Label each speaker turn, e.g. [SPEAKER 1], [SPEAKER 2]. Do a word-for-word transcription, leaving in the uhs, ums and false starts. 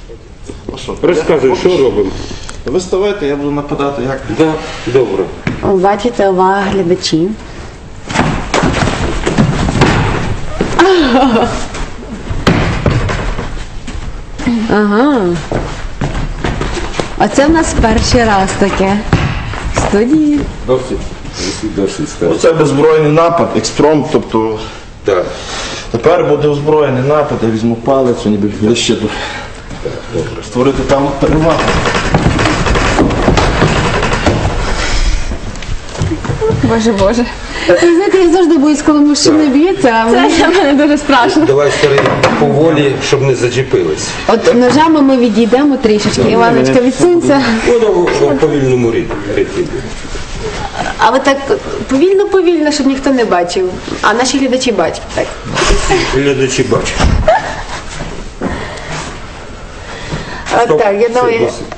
[SPEAKER 1] Ну що,
[SPEAKER 2] Розказуй,
[SPEAKER 1] я-
[SPEAKER 2] що робимо?
[SPEAKER 1] Ви ставайте, я буду нападати, як?
[SPEAKER 2] Да, добре.
[SPEAKER 3] Бачите, увага глядачі. Ага. Оце в нас перший раз таке в студії.
[SPEAKER 2] Досить. Досить
[SPEAKER 1] Ну,
[SPEAKER 2] сказати.
[SPEAKER 1] це беззбройний напад, експромт, тобто
[SPEAKER 2] Так,
[SPEAKER 1] тепер буде озброєний напад, я візьму палицю, ніби ближче до створити там перевагу.
[SPEAKER 3] Боже, Боже. Ви знаєте, я завжди боюсь, коли мужчина б'ється, а це для мене дуже страшно.
[SPEAKER 2] давай старий поволі, щоб не зачепились.
[SPEAKER 3] От ножами ми відійдемо трішечки. Іваночка, відсунься.
[SPEAKER 2] Воно в повільному ритмі.
[SPEAKER 3] А ви так повільно-повільно, щоб ніхто не бачив. А наші глядачі бачать. Так.
[SPEAKER 2] Глядачі бачать.
[SPEAKER 3] От
[SPEAKER 2] Стоп,
[SPEAKER 3] так, я
[SPEAKER 2] все,
[SPEAKER 3] думаю,
[SPEAKER 2] досить.